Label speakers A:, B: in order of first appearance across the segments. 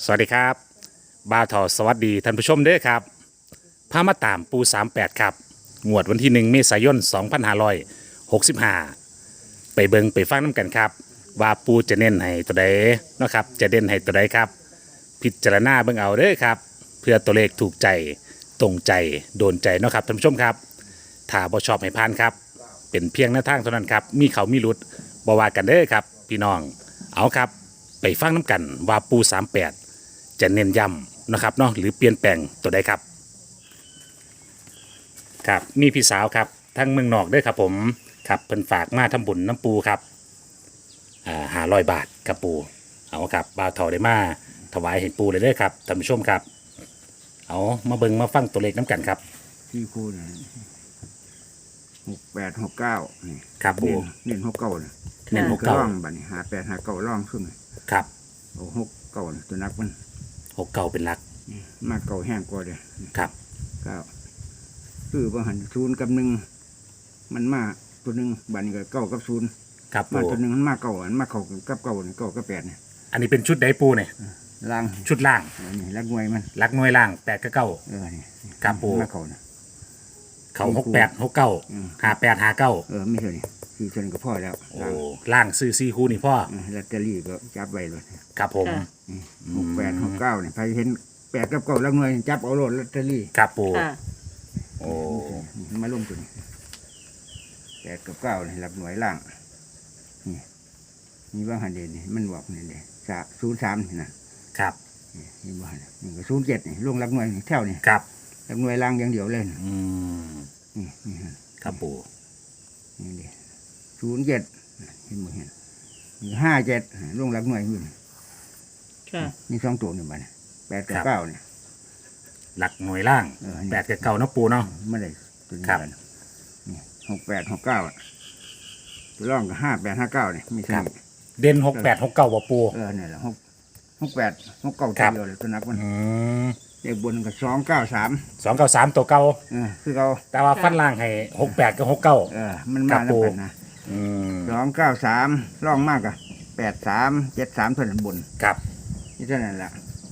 A: สวัสดีครับบ่าวทอสวัสดีท่านผู้ชมเด้อครับพามาตามปู38ครับงวดวันที่1เมษายน2565ไปเบิงไปฟังน้ำกันครับว่าปูจะเน้นให้ตัวใดเนาะครับจะเด่นให้ตัวใดครับพิจารณาเบิ่งเอาเด้อครับเพื่อตัวเลขถูกใจตรงใจโดนใจเนาะครับท่านผู้ชมครับถ้าบ่ชอบให้ผ่านครับเป็นเพียงหน้าทางเท่านั้นครับมีเขามีหลุดบ่ว่ากันเด้อครับพี่น้องเอาครับไปฟังน้ำกันว่าปู38จะเน้นย้ำนะครับเนาะหรือเปลี่ยนแปลงตัวใดครับครับมีพี่สาวครับทั้งเมืองนอกด้วยครับผมครับเพิ่นฝากมาทำบุญน้ำปูครับ500 บาทครับปูเอาครับบ่าวเฒ่าได้มาถวายให้ปูเลยเด้อครับท่านผู้ชมครับเอามาเบิ่งมาฟังตัวเลขน้ำกันครับ
B: ที่คูณ68 69นี่
A: ครับปู
B: เน้น69นะ
A: เน้น
B: ล่องบัดนี้58 59ล่องขึ้น
A: ครับ
B: โอ้69ตัวนักมัน
A: 69เป็นหลัก
B: มาเก่าแห้งกว่าเด้
A: ครับ
B: คือบ่หัน0กับ1มันมาตัวนึงบัดนี้ก็9กับ0
A: ครับปู
B: มาตัวนึงมันมาเก่าอันมาเข้ากับ9นี่9กับ8นี่
A: อันนี้เป็นชุดใดปูเนี่ย
B: ล่าง
A: ชุดล่าง
B: นี่ลักหน่วยมัน
A: ลักหน่วยล่าง8กับ9
B: นี่
A: ครับปู
B: มาเข้านะ
A: เขา68 69 58 59
B: ไม่ใช่นี่คือจนก็พอแล้ว
A: โอ้ล่างซื้อ4คู่นี่พ่อ
B: ลอตเตอรี่ก็จับไว้เลย
A: ครับผม
B: 68 69นี่ใครเห็น8กับ9ลักหน่วยจับเอาโลดลอตเตอรี่
A: ครับปูโอ้
B: มาลงตัวนี้8กับ9นี่หลักหน่วยล่างนี่ว่าหันเด่นนี่มันบอกนี่เด่น03นี่นะครับนี่ว่านี่ก็07นี่ลงหลักหน่วยนี่แถวนี่
A: ครับ
B: หลักหน่วยล่างอย่างเดียวเลยนี่
A: ครับปู
B: นี่เด่น07เห็นบ่เห็นนี่57ลงหลักหน่วยอยู่นี่2ตัวนี่บัด8กับ9นี่
A: หลักหน่วยล่าง8กับ9เนาะปูเนาะ
B: ไม่ได้ตัวนี้กันนี่68 69ตัวร่องก็58 59นี่มีใช่
A: เด่น68 69บ่ปู
B: นี่แหละ68 69ตัวเดียวเลยตัวนักมันเลขบนก็293
A: ตัวเก่า
B: คือเขา
A: แต่ว่าฟันล่างให้68กับ69
B: มันมาแล้วกันนะ293ร่องมากอ่ะ83 73เท่านั้นบน
A: ครับ
B: นี่เท่านั้นแหละ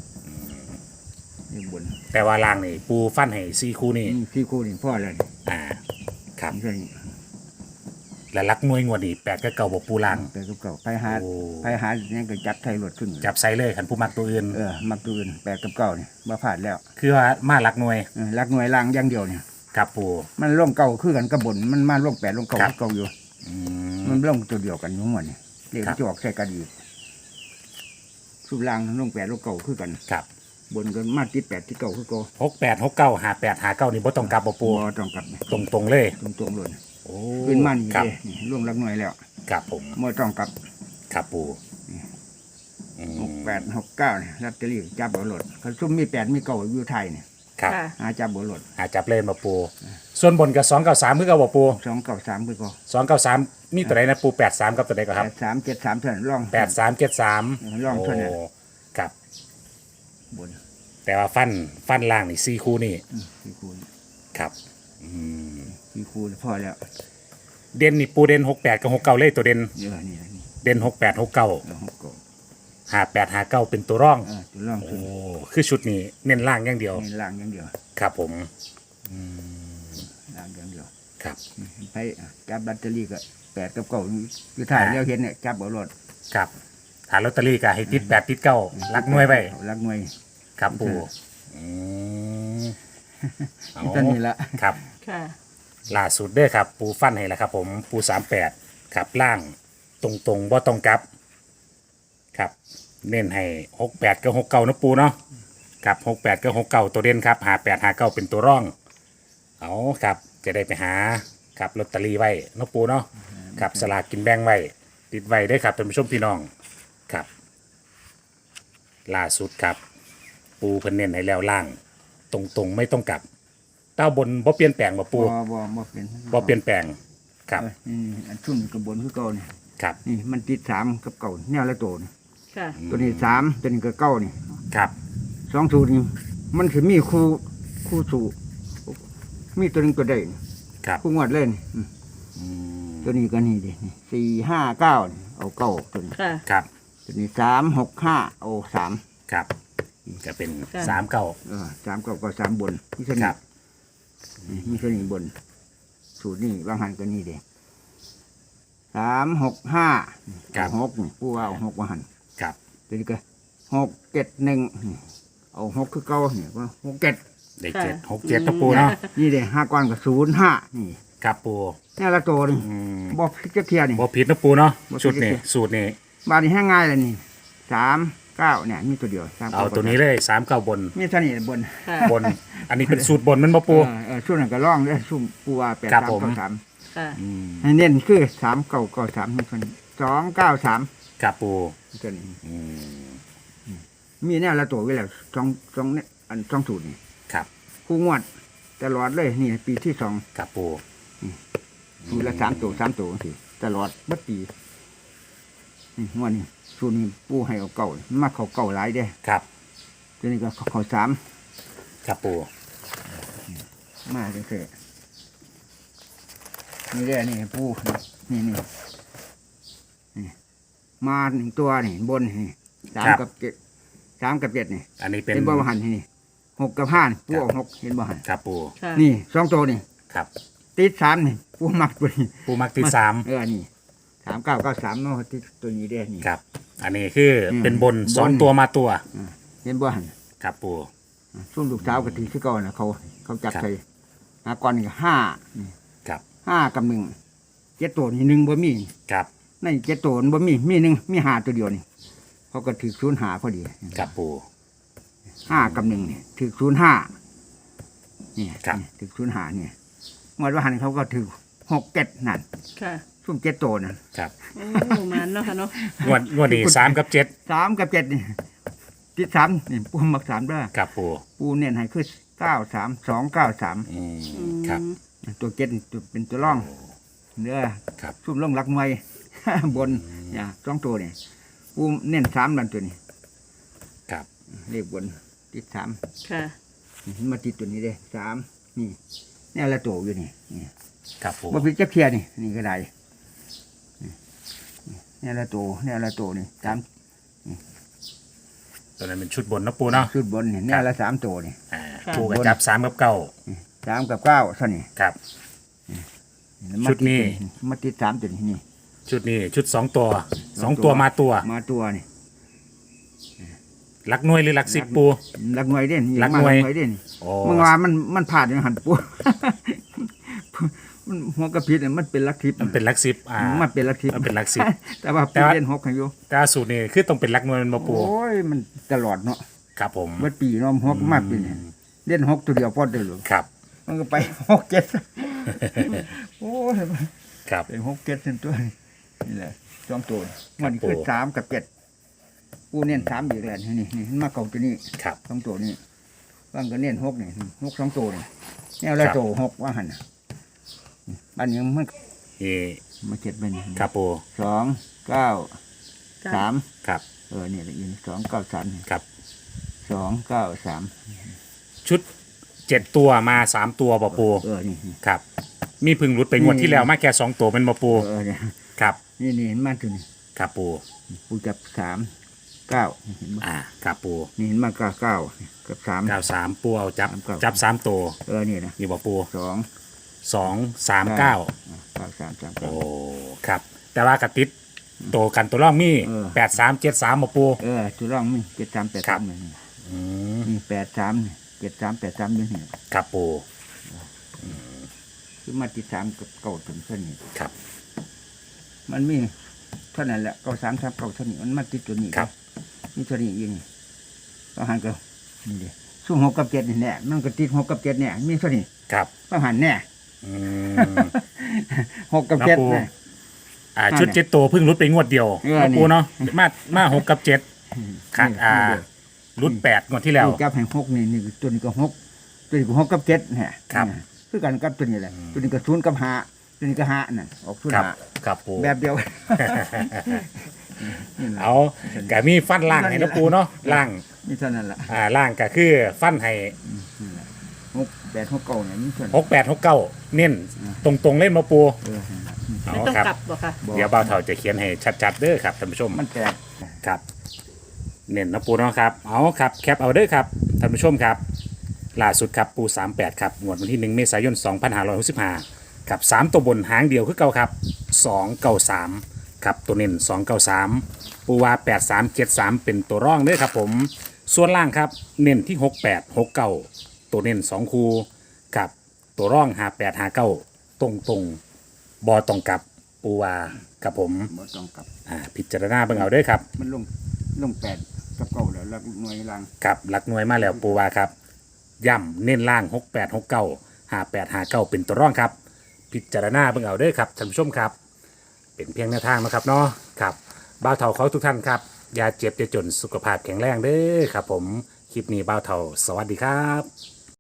B: นี่บน
A: แต่ว่าล่างนี่ปูฟันให้4คู่นี่
B: 4คู่นี่พ่อเลย
A: ครับและลักหน่วยงวดนี่8กับ9บ่ปูล่าง
B: 8กับ9ไปหาเนี่ยก็จับไทยรถขึ้น
A: จับไซเลยคันผู้มักตัวอื่น
B: มักตัวอื่น8กับ9นี่บ่พลาดแล้ว
A: คือว่ามาลักหน่วย
B: ล่างอย่างเดียวนี่
A: ครับปู
B: มันล่องเก่าคือกันกับบนมันมาล่อง8ล่องเก่าเก่าอยู่มันล่องตัวเดียวกันอยู่หมดนี่เรียกจอกใส่กันอีกสุบล่างล่อง8ล่องเก่าคือกัน
A: ครับ
B: บนก็มาติด8ที่เก่าคือเก่า
A: 68 69 58 59นี่บ่ต้องกลับบ่ปู
B: บ่ต้องกลับ
A: ตรงเลย
B: ตรงเลยขึ้นมานี่เลยล่วงลักหน่วยแล้ว
A: ครับผม
B: ไม่ต้องกลับ
A: ครับปู
B: 68 69นี่ลอตเตอรี่จับบ่หลดเขาซุ่มมี8มี9อยู่ไทยนี่
A: ครับ
B: จับบ่หลด
A: จับเล่นบ่ปูส่วนบนกับ293คือเก่าบ่ปู
B: 293คือเก่
A: า293มีตัวใดนะปู83กับตัวใดก็ครับ
B: 83 73เท่านั้นร่อง
A: 83 73
B: ร่องเท่านั้น
A: ครับ
B: บน
A: แต่ว่าฟันล่างนี่4คู่นี่
B: 4คู่
A: ครับ
B: 4คู่พอแล้ว
A: เด่นนี่ปูเด่น68กับ69เลยตัวเด่นเด่น68 69 58 59เป็นตัวร่องโอ้คือชุดนี้เน้นล่างอย่างเดียว
B: เน้นล่างอย่างเดียว
A: ครับผม
B: ล่างอย่างเดียว
A: ครับ
B: ไปจับลอตเตอรี่ก็8กับ9คือถ่ายแล้วเห็นเนี่ยจับเอารถ
A: ครับถ่ายลอตเตอรี่ก็ให้ติด8ติด9ลักหน่วยไว้
B: ลักหน่วย
A: ครับปู
B: ตอนนี้ละ
A: ครับล่าสุดเด้อครับปูฟันให้แล้วครับผมปู38ครับล่างตรงบ่ตรงกลับครับเน้นให้68กับ69นะปูเนาะครับ68กับ69ตัวเด่นครับ58 59เป็นตัวร่องเอาครับจะได้ไปหาครับลอตเตอรี่ไว้นะปูเนาะครับสลากกินแบ่งไว้ติดไว้ได้ครับท่านผู้ชมพี่น้องครับล่าสุดครับปูเพิ่นเน้นให้แล้วล่างตรงไม่ต้องกลับเต้าบนบ่เปลี่ยนแปลงบ่ปูบ่เปลี่ยนแปลงครับ
B: อันชุ่มกับบนคือเก่านี่
A: ครับ
B: นี่มันติด3กับเก่าแนวละตัวนี่ตัวนี้3ตัวนี้ก็9นี่
A: ครับ
B: 2สูตรนี่มันสิมีคู่สูตรมีตัวนึงตัวใด
A: ครับ
B: คู่งวดเล่นตัวนี้ก็นี่ดิ4 5 9เอา9ตัวนี้
A: ครับ
B: ตัวนี้3 6 5เอา3
A: ครับก็เป็น
C: ค่ะ
A: สามเก้า
B: สามก็สามบนมีเท่า
A: ค
B: นี้
A: รับ
B: มีเท่านี้บน สูตรนี่บางหันก็นี่เด้3 6 5หกนี่ผู้ว่าเอาหกว่าหัน
A: ครับ
B: ตัวนี้ก็6 7 1เอาหกคือเก่าเนี่ยว่า6 7
A: ได้
C: ค่ะ
A: เจ็ดหกเจ็ดนะปูเนาะ
B: นี่เด้5ก้อนก็0 5นี่
A: ครับปู
B: นี่ละตัวนี่
A: อืม
B: บ่พิจารณานี่
A: บ่ผิดนะปูเนาะ
B: บ่ผิด
A: ชุดนี้สูตรนี้
B: บาดนี้ให้ง่ายเลยนี่3 9เนี่ยมีตัวเดียว3
A: เอาตัวนี้เลยสามเก้าบน
B: มีเท่านี้บน
C: ค่ะ
A: บน อันนี้เป็นสูตรบนมันบ่ปู
B: ช่วงนั้นก็ร้องเด้อซุ่มปูว่า8
A: ครับ
B: 3
A: ผม
B: 9 3
C: ค่ะ
A: อืม
B: ให้เน้นคือ3 9 9 3มีคน2 9 3
A: ครับปู
B: ตัวนี้
A: อืม
B: มีแนวละตัวไว้แล้วสองเนี่ยอัน2สูตรนี่
A: ครับ
B: คู่งวดตลอดเลยนี่ปีที่2
A: ครับปู
B: สูตรละ3ตัว3ตัวสิตลอดเบัดปีนี่งวดนี้สูตรนี้ปูให้เอาเก่ามาเขาเก่าหลายเด้
A: ครับ
B: ตัวนี้ก็เขา3
A: ครับปู
B: มาจังซี่นี่เด้นี่ปูนี่มา1ตัวนี่บนนี่3กับ7 3กับ7นี่
A: อันนี้เป็น
B: เห็นบ่หันนี่6กับ5นี่ปูเอา6เห็นบ่หัน
A: ครับปู
C: ค่ะ
B: นี่2ตัวนี่
A: ครับ
B: ติด3นี่ปูมักตัวนี้
A: ปูมักที่สาม
B: นี่3993เนาะติดตัวนี้เด้นี่
A: ครับ อันนี้คืออ
B: ม
A: เป็นบนสอง
B: บน
A: ตัวมาตัว
B: เห็นบ่หัน
A: ครับปู
B: ซุ่มลูกสาวก็ถือคือเก่าน่ะเขาจับ
A: ครับ
B: ใส่หาก่อนนี่ก็5นี่
A: ครับ
B: 5กับ1 7ตัวนี่1บ่มี
A: ครับ
B: ใน7ตัวมันบ่มี1มี5ตัวเดียวนี่เขาก็ถือ05พอดี
A: ครับปู
B: 5กับ1นี่ถือ05นี่
A: ครับ
B: ถือ05นี่งวดว่าหันเขาก็ถือ6 7นั่น
C: ค่ะ
B: ซุ่ม7ตัวนั่น
A: ครับ
C: โอ้มันเนาะค่ะเนาะ
A: งวดนี้สามกับเจ็ด
B: 3กับ7นี่ติด3นี่ปูมัก3เด้อ
A: ครับปู
B: ปูเน้นให้คือ93293
A: อืมครับ
B: ตัวเก็ตตัวเป็นตัวร่องเนื้อ
A: ครับ
B: ซุ่มร่องรักมวย บนเนี่ย2ตัวนี่ปูเน้น3นั่นตัวนี้
A: ครับ
B: เลขบนติด3
C: ค่ะ
B: มาติดตัวนี้เด้3นี่เนี่ยละตัวอยู่นี่นี่
A: ครับปู
B: บ่ผิดจักเทียนี่ก็ได้นี่เนี่ยละตัวนี่3
A: ตัวนั้นเป็นชุดบนนะปูเนาะ
B: ชุดบนนี่เนี่ยละ3ตัวนี่
A: อ่า
C: ค่ะ
A: ปูก็จับสามกับเก้า
B: 3กับ9เท่านี้
A: ครับ
B: มา
A: ชุดนี้
B: มาติด3ตัวนี้นี่
A: ชุดนี้ชุดสองตัวสองตัวมาตัว
B: มาตัวนี่
A: หลักหน่วยหรือหลักสิบปู
B: รักหน่วยเด่น
A: รักหน่วย
B: เด่น
A: โอ้
B: เมื่อวานมันผ่านอย่างหันปู มันหัวกระพริบเนี่ยมันเป็นลักทิพย์
A: มันเป็นหลักสิบ
B: มันเป็นลักทิพย์
A: มันเป็นหลักสิบ
B: แต่ว่า
A: แต่
B: ปู
A: ว่า
B: เล่น6ให้อยู่
A: แต่ว่าสูตรนี้คือต้องเป็นหลักหน่วยมันมาปู
B: โอ้ยมันตลอดเนาะ
A: ครับผม
B: วัดปีเนาะหกมากปีเนี่ยเล่น6ตัวเดียวพอได้หรือ
A: ครับ
B: มันก็ไป6 7โอ้ย
A: ครับ
B: เป็น6 7เป็นตัวนี่แหละ2ตัวมัน
A: ครับ
B: คือ
A: ปู่
B: 3กับ7ปูเน้น3อยู่แล้วนี่มันมาเก่าตัวนี้
A: ครับ
B: 2ตัวนี้ว่างก็เน้น6นี่6 2ตัวนี่แนวละ
A: ครับ
B: ตัว6ว่าหั่นน่ะบ้านนี้มัน
A: นี่
B: มาเก็บไปนี่
A: ครับปู
B: 2 9 3
A: ครับ
B: นี่แหละอีก2 9 3
A: ครับ
B: 2 9 3
A: ชุดเจ็ดตัวมาสามตัวบ่ปู
B: นี่
A: ครับ มีพึ่งรุดไปงวดที่แล้วมาแค่สองตัวเป็นบ่ปู
B: เนี่ย
A: ครับ
B: นี่เห็นมาตัวนี้
A: ครับปู
B: ปูจับ3 9เห็นบ่
A: ครับปู
B: นี่เห็นมา9 9กับ3
A: เก้าสามปูเอาจับ
B: เก้า
A: จับสามตัว
B: นี่นะ
A: นี่บ่ปู
B: 2
A: 2 3 9
B: 9 3 3
A: โอ้ครับ แต่ว่ากระติดโตกันตัวร่องมี
B: เออ
A: 8 3 7 3บ่ปู
B: ตัวร่องมี7 3 8
A: ครับ
B: 3นี่
A: อืม
B: นี่8 3 7 3 8 3นี่นี่
A: ครับปู
B: คือมาติด3กับเก่าถึงเท่านี้
A: ครับ
B: มันมีเท่านั้นแหละเก่า3 3เก่าเท่านี้มันมาติดตัวนี้
A: ครับ
B: นี่เท่านี้เองก็หันก็นี่เด้สู้6กับ7นี่แน่มันก็ติด6กับ7เนี่ยมีเท่านี้
A: ครับ
B: ก็หันแน่
A: อืม
B: 6กับ
A: ครับปู่
B: 7เนี่ย
A: ชุดเจ็ดตัวเพิ่งรุดไปงวดเดียว
B: นี่
A: ปูเนาะมา6กับ7ขาดรุด8งวดที่แล้ว
B: จับให้6นี่ตัวนี้ก็6ตัวนี้ก็6กับ7เนี่ย
A: ครับ
B: คือกันกับตัวนี้แหละตัวนี้ก็0กับ5ตัวนี้ก็5น่ะออก0
A: ครับ
B: 5
A: ครับปู
B: แบบเดียว
A: เอากะมีฟันล่างให้นะปูเนาะล่าง
B: นี่เท่านั้นแหละ
A: ล่างก็คือฟันให้
B: 6 8 6 9เนี่ยนี่เท่านั้น
A: 6 8 6 9เน้นตรงๆเล่นมาปู เอา
C: ไม่ต้อง
A: ครับ
C: กลับบ่ค่ะ
B: บอก
A: เดี๋ยวบ่าวเฒ่าจะเขียนให้ชัดๆเด้อครับท่านผู้ชม
B: มันแตก
A: ครับเน้นนะปูเนาะครับเอาครับแคปเอาเด้อครับท่านผู้ชมครับล่าสุดครับปู38ครับงวดวันที่1เมษายน2565ครับ3ตัวบนหางเดียวคือเก่าครับ293ครับตัวเน้น293ปูว่า8373เป็นตัวร่องเด้อครับผมส่วนล่างครับเน้นที่6869ตัวเน้น2คูกับตัวร่อง5859ตรงบอตรงกับปูว่ากับผม
B: บ่ต้องกลับ
A: พิจารณาเบิ่งเอาเด้อครับ
B: มันลงแปดกับเก้าแล้วแล้วหน่วยล่าง
A: กับหลักหน่วยมาแล้วปูวาครับย่ำเน้นล่าง6869 5859เป็นตัวร่องครับ พิจารณาเบิ่งเอาเด้อครับท่านผู้ชมครับ เป็นเพียงแนวทางนะครับเนาะครับบ่าวเฒ่าเขาทุกท่านครับอย่าเจ็บอย่าจนสุขภาพแข็งแรงเด้อครับผมคลิปนี้บ่าวเฒ่าสวัสดีครับ